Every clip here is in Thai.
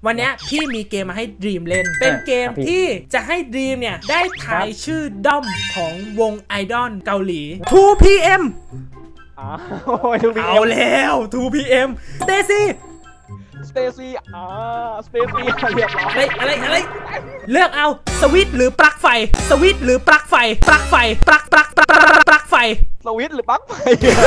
วันนี้พี่มีเกมมาให้ดีมเล่นเป็นเกมที่จะให้ดีมเนี่ยได้ทายชื่อด้อมของวงไอดอลเกาหลี 2PM เอาแล้ว 2PM สเตซี่สเตซี่เรียบร้อยอะไรเลือกเอาสวิตช์หรือปลั๊กไฟสวิตช์หรือปลั๊กไฟปลั๊กไฟปลั๊กไฟสวิตช์หรือปลั๊กไฟ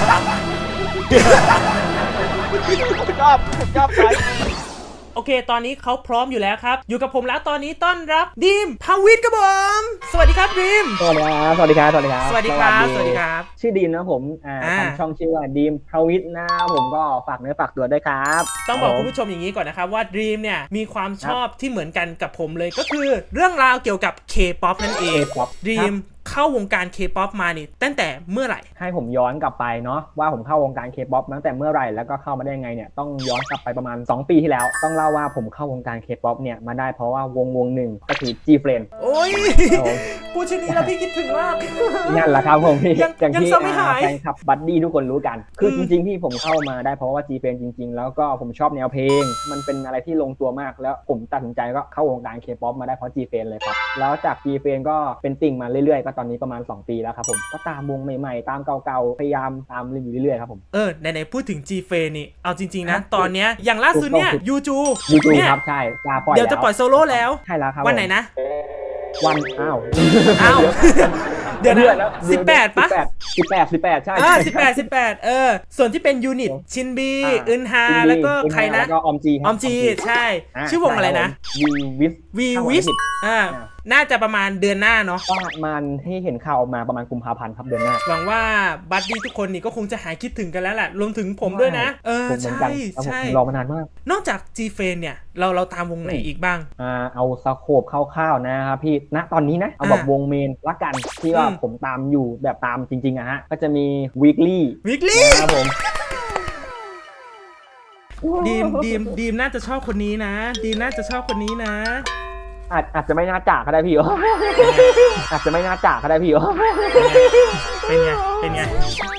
ชอบใช้โอเคตอนนี้เขาพร้อมอยู่แล้วครับอยู่กับผมแล้วตอนนี้ต้อนรับดีมภวิทย์ครับผมสวัสดีครับดีมสวัสดีครับชื่อดีมนะผมทำช่องชื่อว่าดีมภวิทย์นะผมก็ฝากเนื้อฝากตัวด้วยครับต้องบอกคุณผู้ชมอย่างนี้ก่อนนะครับว่าดีมเนี่ยมีความชอบที่เหมือนกันกับผมเลยก็คือเรื่องราวเกี่ยวกับ K-POP นั่นเองดีมเข้าวงการ K-POP มานี่ตั้งแต่เมื่อไหร่ให้ผมย้อนกลับไปเนาะว่าผมเข้าวงการ K-POP ตั้งแต่เมื่อไหร่แล้วก็เข้ามาได้ยังไงเนี่ยต้องย้อนกลับไปประมาณ2ปีที่แล้วต้องเล่าว่าผมเข้าวงการ K-POP เนี่ยมาได้เพราะว่าวงหนึ่งก็คือ G-Friend โอ้ยพูดชื่อนี้แล้วพี่คิดถึงมากนั่นแหละครับผมพี่อย่างที่แฟนคลับบัดดี้ทุกคนรู้กันคือจริงๆที่ผมเข้ามาได้เพราะว่า G-Friend จริงๆแล้วก็ผมชอบแนวเพลงมันเป็นอะไรที่ลงตัวมากแล้วผมตัดสินใจก็เข้าวงการ K-POP มาได้เพราะ G-Friend เลยครับแล้วจาก G-Friend ก็เป็นติ่งมาเรื่อยๆก็ตอนนี้ประมาณ2 ปีแล้วครับผมก็ตามวงใหม่ๆตามเก่าๆพยายามตามอยู่เรื่อยๆครับผมไหนๆพูดถึง G-Friend นี่เอาจริงๆนะตอนเนี้ยอย่างล่าสุดเนี่ยยูจูครับใช่เดี๋ยวจะปล่อยโซโล่แล้วใช่แล้วครับวันไหนนะวันเดี๋ยวนะ18ปะ 18ใช่ 18ส่วนที่เป็นยูนิตชินบีอึนฮาแล้วก็ใครนะออมจีใช่ชื่อวงอะไรนะวีวิสน่าจะประมาณเดือนหน้าเนาะประมาณให้เห็นข่าวออกมาประมาณกุมภาพันธ์ครับเดือนหน้าหวังว่าบัดดี้ทุกคนนี่ก็คงจะหายคิดถึงกันแล้วแหละรวมถึงผมด้วยนะใช่รอมานานมากนอกจาก G-Friend เนี่ยเราตามวงไหนอีกบ้างเอาสโคปคร่าวๆนะครับพี่ณตอนนี้นะเอาแบบวงเมนละกันที่ว่าผมตามอยู่แบบตามจริงๆอะฮะก็จะมี weekly ครับผมดีมน่าจะชอบคนนี้นะดีมน่าจะชอบคนนี้นะอาจจะไม่น่าจากก็ได้พี่อาจจะไม่น่าจากก็ได้พี่เป็นไง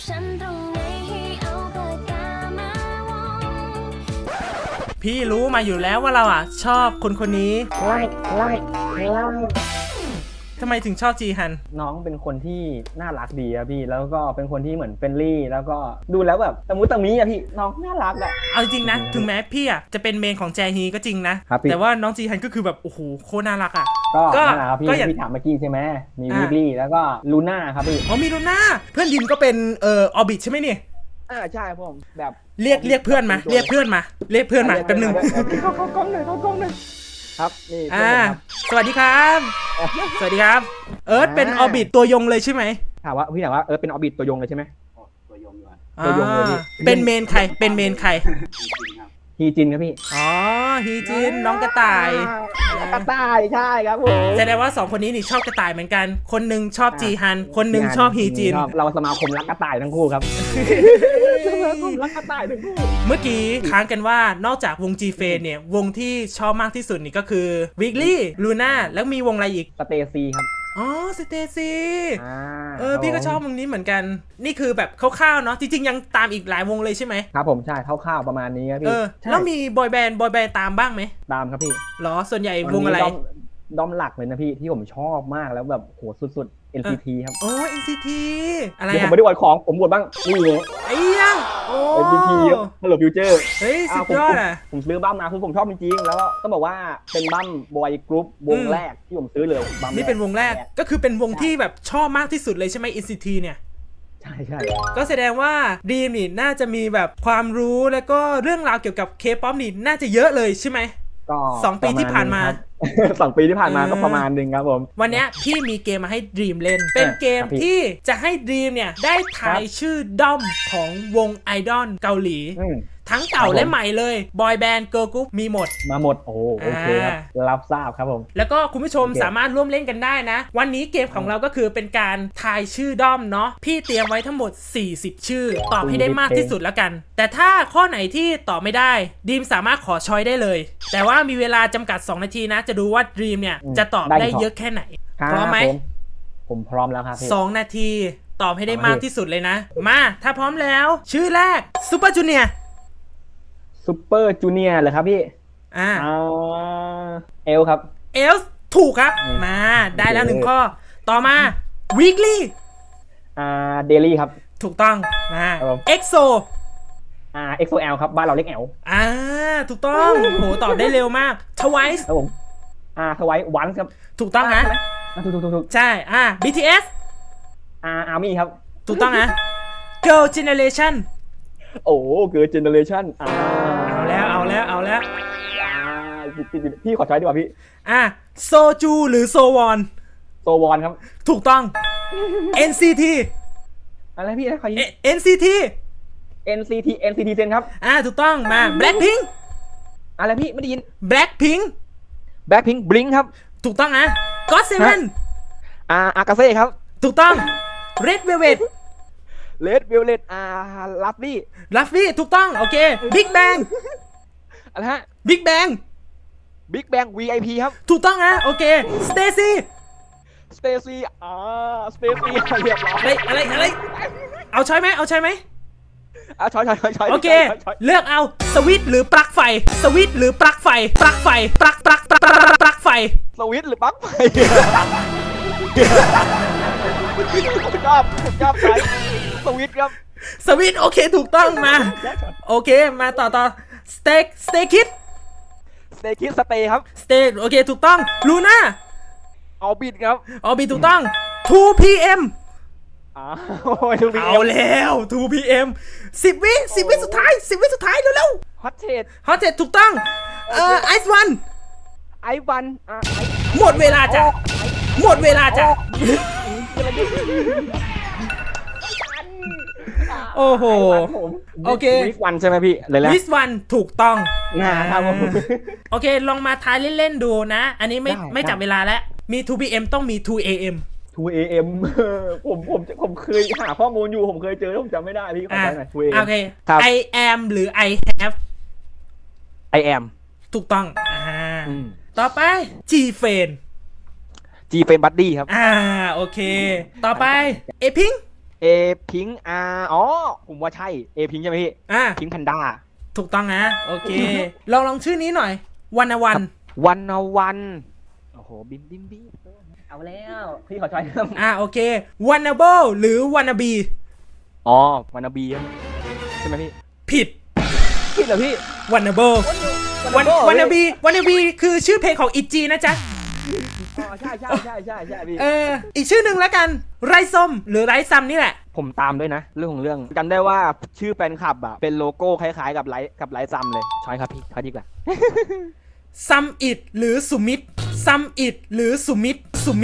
พี่รู้มาอยู่แล้วว่าเราชอบคนนี้ไล่ทำไมถึงชอบจีฮันน้องเป็นคนที่น่ารักดีอะพี่แล้วก็เป็นคนที่เหมือนเฟรนลี่แล้วก็ดูแล้วแบบตะมุตะมิอะพี่น้องน่ารักอะเอาจริงนะถึงแม้พี่จะเป็นเมนของแจฮีก็จริงนะแต่ว่าน้องจีฮันก็คือแบบโอ้โหโคตรน่ารักอะก็พี่ถามเมื่อกี้ใช่ไหมมีวิกลี่แล้วก็ลูน่าครับพี่มีลูน่าเพื่อนดิมก็เป็นออบิทใช่ไหมนี่ใช่ผมแบบเรียกเพื่อนมาแป๊บนึงเข้ากล้องหน่อยครับนี่สวัสดีครับเอิร์ธเป็นออบิทตัวยงเลยใช่ไหมถามว่าเอิร์ธเป็นออบิทตัวยงเลยใช่ไหมตัวยงเลยเป็นเมนใครฮีจินครับพี่ฮีจินน้องกระต่ายใช่ครับผมแสดงว่า2คนนี้นี่ชอบกระต่ายเหมือนกันคนนึงชอบจีฮันคนนึงชอบฮีจินเราสมาคมรักกระต่ายทั้งคู่ครับสมาคมรักกระต่ายทั้งคู่เมื่อกี้ค้างกันว่านอกจากวง G-Friend เนี่ยวงที่ชอบมากที่สุดนี่ก็คือ Weekly Luna แล้วมีวงอะไรอีก Stacy ครับสเตซี่พี่ก็ชอบวงนี้เหมือนกันนี่คือแบบคร่าวๆเนาะจริงๆยังตามอีกหลายวงเลยใช่ไหมครับผมใช่คร่าวๆประมาณนี้ครับพี่แล้วมีบอยแบนด์ตามบ้างไหมตามครับพี่หรอส่วนใหญ่วงอะไรด้อมหลักเลยนะพี่ที่ผมชอบมากแล้วแบบโหสุดๆ NCT ครับ NCT อะไรผมไม่ได้วดของผมวดบ้างนี่เลยยัง NCT Hello Future สุดยอดผมซื้อบั้มมาคือผมชอบจริงๆแล้วต้องบอกว่าเป็นบั้มบอยกรุ๊ปวงแรกที่ผมซื้อเลยบั้มนี่เป็นวงแรกก็คือเป็นวงที่แบบชอบมากที่สุดเลยใช่ไหม NCT เนี่ยใช่ก็แสดงว่าดีมนี่น่าจะมีแบบความรู้แล้วก็เรื่องราวเกี่ยวกับ K-POP นี่น่าจะเยอะเลยใช่ไหมก็ 2 ปีที่ผ่านมา 2 ปีที่ผ่านมาก็ประมาณนึงครับผมวันนี้พี่มีเกมมาให้ดีมเล่นเป็นเกมที่จะให้ดีมเนี่ยได้ทายชื่อด้อมของวงไอดอลเกาหลีทั้งเก่าและใหม่เลยบอยแบนด์เกิร์ลกรุ๊ปมีหมดโอเคครับรับทราบครับผมแล้วก็คุณผู้ชมสามารถร่วมเล่นกันได้นะวันนี้เกมของเราก็คือเป็นการทายชื่อด้อมเนาะพี่เตรียมไว้ทั้งหมด40ชื่อตอบให้ได้มากที่สุดแล้วกันแต่ถ้าข้อไหนที่ตอบไม่ได้ดีมสามารถขอช้อยได้เลยแต่ว่ามีเวลาจำกัด2 นาทีนะจะดูว่าดีมเนี่ยจะตอบได้เยอะแค่ไหนพร้อมไหมผมพร้อมแล้วครับ 2 นาทีตอบให้ได้มากที่สุดเลยนะมาถ้าพร้อมแล้วชื่อแรกซูเปอร์จูเนียร์ซูเปอร์จูเนียร์เหรอครับพี่เอลครับเอลส์ถูกครับมาได้แล้วหนึ่งข้อต่อมา weekly เดลี่ครับถูกต้องมาครับผม exo XOL ครับบ้านเราเรียกแอลถูกต้องโหตอบได้เร็วมาก twice ครับผมทวายวันครับถูกต้องนะถูกใช่ BTS อาร์มี่ครับถูกต้องนะ girl generation โอ้เกิร์ลเจเนอเรชั่นเอาแล้วพี่ขอใช้ดีกว่าพี่โซจูหรือโซวอนโซวอนครับถูกต้อง NCT อะไรพี่นะขอยิง NCT NCT เซนครับถูกต้องมา Blackpink อะไรพี่ไม่ได้ยิน Blackpink แบ็คพิงบลิงครับถูกต้องนะ GOT7 อากาเซ่ครับถูกต้อง Red Velvet เลดเวลเลตลัฟลี่ Luffy ถูกต้องโอเค Big Bang อะไรฮะ Big Bang บิ๊กแบง VIP ครับถูกต้องนะโอเค Stacy สเตซี่สเตซี่เรียบร้อยอะไรเอาใช่ไหมช้อยโอเคเลือกเอาสวิตช์หรือปลั๊กไฟสวิตช์หรือปลั๊กไฟปลั๊กไฟปลั๊กไฟสวิตช์หรือปลั๊กไฟผมชอบใช้สวิตช์ครับสวิตช์โอเคถูกต้องมาโอเคมาต่อสเต็กคิดสเตคิดสเตย์ครับสเต็กโอเคถูกต้องลูน่าเอาบิดครับบีถูกต้อง 2PM โอ้ยทุกทีเอาแล้ว 2PM 10 วิสุดท้ายเร็วฮอตเทดๆฮอตเจ็ดถูกต้องไอซ์วันไอวันหมดเวลาจ้ะโอ้โห โอเควิสวันใช่ไหมพี่เลยแล้ววิสวันถูกต้องครับผมโอเค ลองมาทายเล่นๆดูนะ อันนี้ได้ไม่จับเวลาแล้ว มี 2PM ต้องมี 2AM 2AM ผมเคยหาข้อมูลอยู่ผมเคยเจอแล้วผมจำไม่ได้พี่ขอใช้หน่อย 2AM โอเคครับ I am หรือ I have I am ถูกต้องต่อไป G f r i e n d G เป็นบัดดี้ครับโอเค ต่อไป A Pink เอพิงผมว่าใช่เอพิงใช่ไหมพี่พิงแพนด้าถูกต้องนะ โอเค ลองชื่อนี้หน่อยวันวันวันโอ้โหบิมเอาแล้วพี่ขอใช้ครับโอเค Wannable หรือ Wannabe วันนาบีใช่ไหมพี่ผิดเหรอพี่ Wannable Wannabe คือชื่อเพลงของอิจีนะจ๊ะใช่พี่อีกชื่อหนึ่งแล้วกันไรส้มหรือไรซัมนี่แหละผมตามด้วยนะเรื่องของเรื่องจำได้ว่าชื่อแฟนคลับอะเป็นโลโก้คล้ายๆกับไลท์ซัมเลยช้อยครับพี่เขาดีกว่าซัมอิดหรือสุมิตซัมอิดหรือสุมิต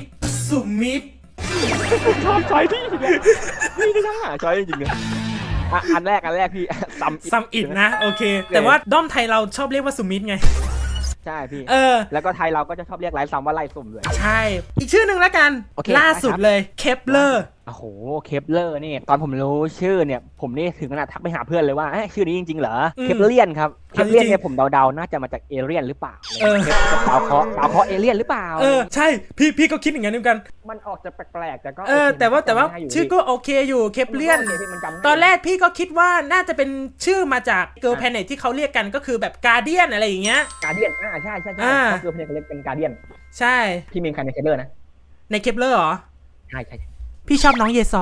ชอบช้อยที่นี่ก็ช่างหาช้อยจริงๆเลยอันแรกพี่ซัมอิดนะโอเค แต่ว่าด้อมไทยเราชอบเรียกว่าสุมิตไงใช่พี่แล้วก็ไทยเราก็จะชอบเรียกไลท์ซัมว่าไลท์ส้มเลยใช่อีกชื่อหนึ่งแล้วกันล่าสุดเลยเคปเลอร์โอ้โหเคปเลอร์นี่ตอนผมรู้ชื่อเนี่ยผมนี่ถึงขนาดทักไปหาเพื่อนเลยว่าชื่อนี้จริงๆเหรอเคปเลียนครับเคปเลียนเนี่ยผมเดาๆน่าจะมาจากเอเลี่ยนหรือเปล่าเคปกับดาวเคราะห์เอเลี่ยนหรือเปล่าใช่พี่ก็คิดอย่างนั้นเหมือนกันมันออกจะแปลกๆแต่ก็แต่ว่าชื่อก็โอเคอยู่เคปเลียนตอนแรกพี่ก็คิดว่าน่าจะเป็นชื่อมาจากเกิร์ลแพลเน็ตที่เขาเรียกกันก็คือแบบการเดียนอะไรอย่างเงี้ยการเดียนใช่เขาเกิร์ลแพลเน็ตเขาเรียกเป็นการเดียนใช่พี่มีใครในเคปเลอร์นะในเคปเลอร์เหรอใช่พี่ชอบน้องเยซอ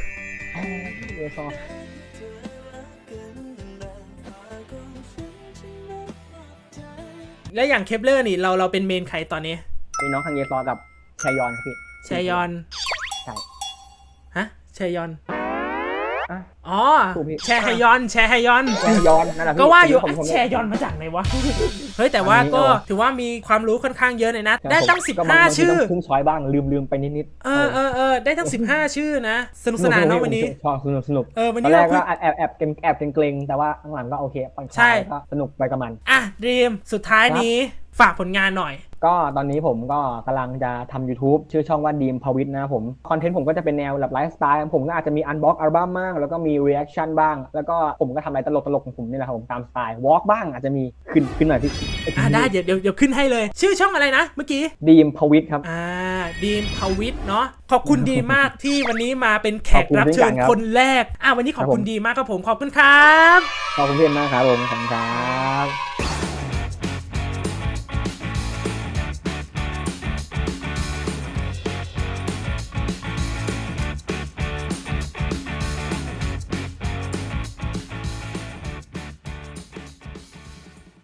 แล้วอย่างเคปเลอร์นี่เราเป็นเมนใครตอนนี้มีน้องคังเยซอกับแชยอนครับพี่แชยอนใช่ฮะแชยอนแชฮยอนนั่นแหละก็ว่าอยู่แชยอนมาจากไหนวะเฮ้ยแต่ว่าก็ถือว่ามีความรู้ค่อนข้างเยอะเลยนะได้ตั้ง15ชื่อพุ่งช้อยบ้างลืมไปนิดได้ตั้ง15ชื่อนะสนุกสนานเนาะวันนี้ชอบสนุกวันนี้แรกก็แอบเกรงแต่ว่าข้างหลังก็โอเคใช่ก็สนุกไปกับมันดีมสุดท้ายนี้ฝากผลงานหน่อยก็ตอนนี้ผมก็กำลังจะทำ YouTube ชื่อช่องว่าดีมพวิทย์นะผมคอนเทนต์ผมก็จะเป็นแนวแบบไลฟ์สไตล์ผมก็อาจจะมีอันบ็อกอัลบั้มบ้างแล้วก็มีรีแอคชั่นบ้างแล้วก็ผมก็ทำอะไรตลกของผมนี่แหละครับผมตามสไตล์วอล์กบ้างอาจจะมีขึ้นหน่อยพี่ได้เดี๋ยวขึ้นให้เลยชื่อช่องอะไรนะเมื่อกี้ดีมพวิทย์ครับดีมพวิทย์เนาะขอบคุณดีมากที่วันนี้มาเป็นแขกรับเชิญคนแรกวันนี้ขอบคุณดีมากครับผมขอบคุณครับขอบคุณเพื่อนมากครับผมขอบคุณครับ